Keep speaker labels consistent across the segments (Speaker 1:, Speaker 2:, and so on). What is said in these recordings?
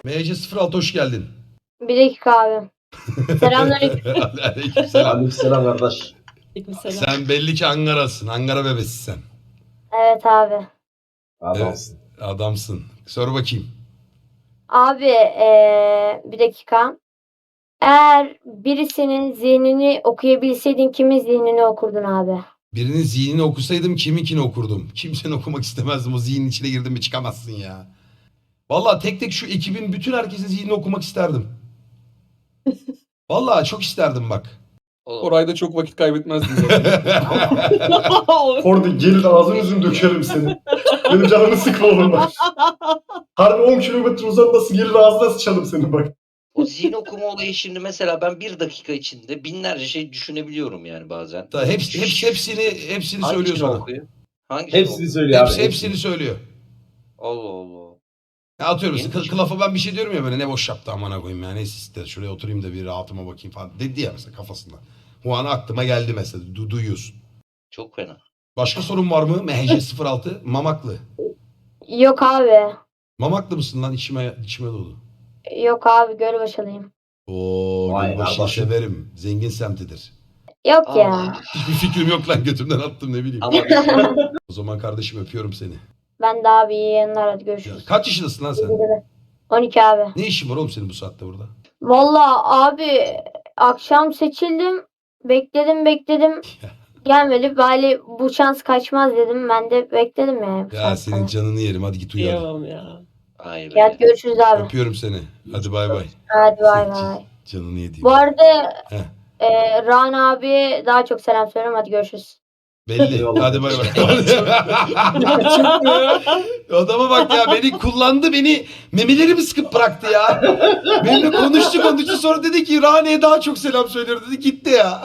Speaker 1: MC06 hoş geldin.
Speaker 2: Bir dakika abi. Selamünaleyküm.
Speaker 1: Aleykümselam.
Speaker 3: Aleykümselam kardeş.
Speaker 1: Sen belli ki Ankara'sın. Ankara bebesi sen.
Speaker 2: Evet abi.
Speaker 3: Adamsın.
Speaker 1: Adamsın. Sor bakayım.
Speaker 2: Abi bir dakika. Eğer birisinin zihnini okuyabilseydin kimin zihnini okurdun abi?
Speaker 1: Birinin zihnini okusaydım kiminkini okurdum. Kimsenin okumak istemezdim. O zihnin içine girdin mi çıkamazsın ya. Vallahi tek tek şu ekibin bütün herkesin zihnini okumak isterdim. Vallahi çok isterdim bak.
Speaker 4: Orayda çok vakit kaybetmezdim.
Speaker 3: Orada gelin ağzını yüzünü dökerim seni. Benim canımı sıkma oğlum bak. Harbi 10 kilometre uzaktasın gelin ağzına sıçalım seni bak.
Speaker 5: O zihin okuma olayı şimdi mesela ben bir dakika içinde binlerce şey düşünebiliyorum yani bazen.
Speaker 1: Hepsini söylüyor
Speaker 5: Hangisini
Speaker 1: sana.
Speaker 5: okuyor? Hangisini
Speaker 3: Hepsini
Speaker 5: okuyor?
Speaker 3: söylüyor abi.
Speaker 1: Hepsini söylüyor.
Speaker 5: Allah Allah.
Speaker 1: Ya atıyorum
Speaker 5: Yeni
Speaker 1: mesela
Speaker 5: bir şey.
Speaker 1: kılafa ben bir şey diyorum ya böyle ne boş yaptı amına koyayım ya neyse işte şuraya oturayım da bir rahatıma bakayım falan dedi ya mesela kafasında. O an aklıma geldi mesela duyuyorsun.
Speaker 5: Çok fena.
Speaker 1: Başka sorun var mı? MHC06 Mamaklı.
Speaker 2: Yok abi.
Speaker 1: Mamaklı mısın lan içime dolu.
Speaker 2: Yok abi Gölbaşılıyım.
Speaker 1: Oo
Speaker 3: Vay
Speaker 1: Gölbaşı'yı
Speaker 3: kardeşim.
Speaker 1: severim. Zengin semtidir.
Speaker 2: Yok ya.
Speaker 5: Aa,
Speaker 1: Hiçbir fikrim yok lan götümden attım ne bileyim.
Speaker 5: ama
Speaker 1: O zaman kardeşim öpüyorum seni.
Speaker 2: Ben de abi iyi yayınlar hadi
Speaker 1: Ya,
Speaker 2: görüşürüz.
Speaker 1: kaç yaşındasın lan sen?
Speaker 2: 12 abi.
Speaker 1: Ne işin var oğlum senin bu saatte burada?
Speaker 2: Vallahi abi akşam seçildim. Bekledim. Gelmedi. Bari bu şans kaçmaz dedim. Ben de bekledim yani. bu
Speaker 1: Ya
Speaker 2: saatten
Speaker 1: senin
Speaker 2: sonra.
Speaker 1: canını yerim hadi git uyu. hadi.
Speaker 4: ya.
Speaker 5: hayır.
Speaker 2: Ya hadi görüşürüz abi.
Speaker 1: Öpüyorum seni. Hadi bay bay.
Speaker 2: Hadi bay bay.
Speaker 1: Canını yediğim.
Speaker 2: Bu arada
Speaker 1: Heh.
Speaker 2: Rana abi daha çok selam söylüyorum. Hadi görüşürüz.
Speaker 1: Belli.
Speaker 3: Eyvallah.
Speaker 1: Hadi bay bay. Adama bak ya beni kullandı beni memelerimi sıkıp bıraktı ya. Benimle konuştu sonra dedi ki Rane'ye daha çok selam söylüyor dedi gitti ya.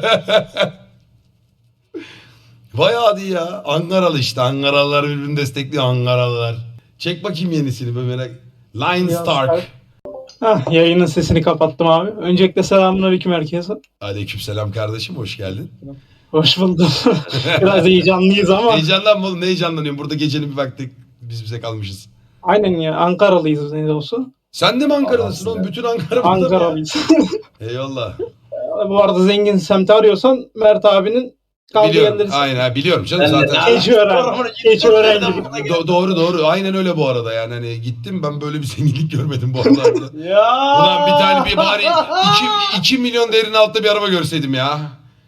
Speaker 1: Bayağı hadi ya. Ankaralı işte. Ankaralılar birbirini destekliyor Ankaralılar. Çek bakayım yenisini böyle merak. Line Stark.
Speaker 6: Hah, yayının sesini kapattım abi. Öncelikle selamünaleyküm herkese.
Speaker 1: Aleykümselam kardeşim hoş geldin.
Speaker 6: Hoş buldum. Biraz heyecanlıyız ama.
Speaker 1: Heyecanlanma oğlum ne heyecanlanıyorsun? Burada gecenin bir vakti biz bize kalmışız.
Speaker 6: Aynen ya, Ankaralıyız ne de olsa.
Speaker 1: Sen de mi Ankara'dasın
Speaker 3: Adamsın
Speaker 1: oğlum?
Speaker 3: ya.
Speaker 1: Bütün Ankara burada mı ya?
Speaker 6: Ankaralıyız.
Speaker 1: Eyvallah.
Speaker 6: Bu arada zengin semti arıyorsan Mert abinin kaldığı
Speaker 1: Biliyorum.
Speaker 6: yerleri.
Speaker 1: Aynen biliyorum canım
Speaker 3: Ben de-
Speaker 1: zaten.
Speaker 6: Keçiören gibi.
Speaker 1: Doğru. Aynen öyle bu arada yani hani gittim ben böyle bir zenginlik görmedim bu arada.
Speaker 3: Ya.
Speaker 1: Ulan bir tane bir bari 2 milyon değerinin altta bir araba görseydim ya.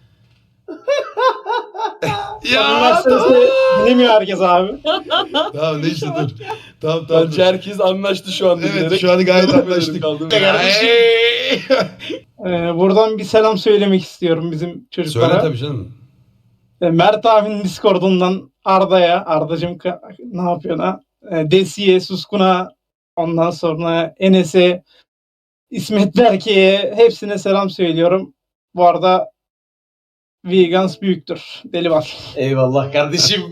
Speaker 1: ya.
Speaker 6: Mercedes'i dinlemiyor herkes abi.
Speaker 1: Tamam neyse dur. Tamam.
Speaker 4: Bence herkes anlaştı şu anda.
Speaker 1: Evet şu an gayet anlaştık. Hey!
Speaker 6: Buradan bir selam söylemek istiyorum bizim çocuklara.
Speaker 1: Söyle tabii canım.
Speaker 6: Mert abinin Discord'undan Arda'ya, Arda'cığım ne yapıyorsun ha? Desi'ye, Suskun'a, ondan sonra Enes'e, İsmet Berke'ye hepsine selam söylüyorum. Bu arada Vegans büyüktür. Deli var.
Speaker 3: Eyvallah kardeşim.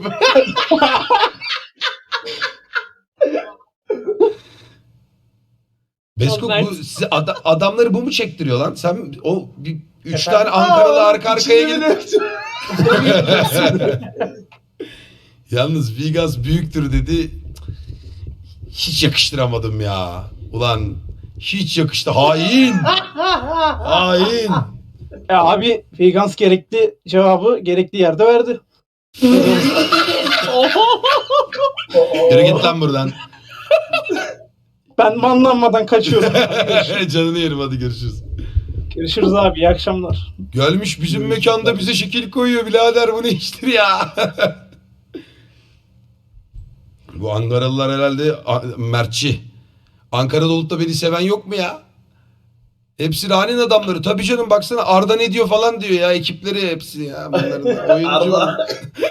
Speaker 1: Besko bu size adamları bu mu çektiriyor lan? Sen o bir 3
Speaker 3: Efendim?
Speaker 1: tane Ankaralı arka arkaya
Speaker 3: İçinde
Speaker 1: gelip
Speaker 3: bile-
Speaker 1: yalnız Vegas büyüktür dedi. Hiç yakıştıramadım ya. Ulan hiç yakıştı. Hain. Hain.
Speaker 6: Abi Vegans gerekli cevabı gerekli yerde verdi.
Speaker 1: Yürü git lan buradan.
Speaker 6: Ben manlanmadan kaçıyorum.
Speaker 1: Canını yerim hadi görüşürüz.
Speaker 6: Görüşürüz abi. İyi akşamlar.
Speaker 1: Gelmiş bizim mekanda bize şekil koyuyor birader bu ne iştir ya. Bu Ankaralılar herhalde Mertçi. Ankara'da olup da beni seven yok mu ya? Hepsi Rane'nin adamları. Tabii canım baksana Arda ne diyor falan diyor ya ekipleri hepsi ya. Bunların oyuncu.
Speaker 3: Allah.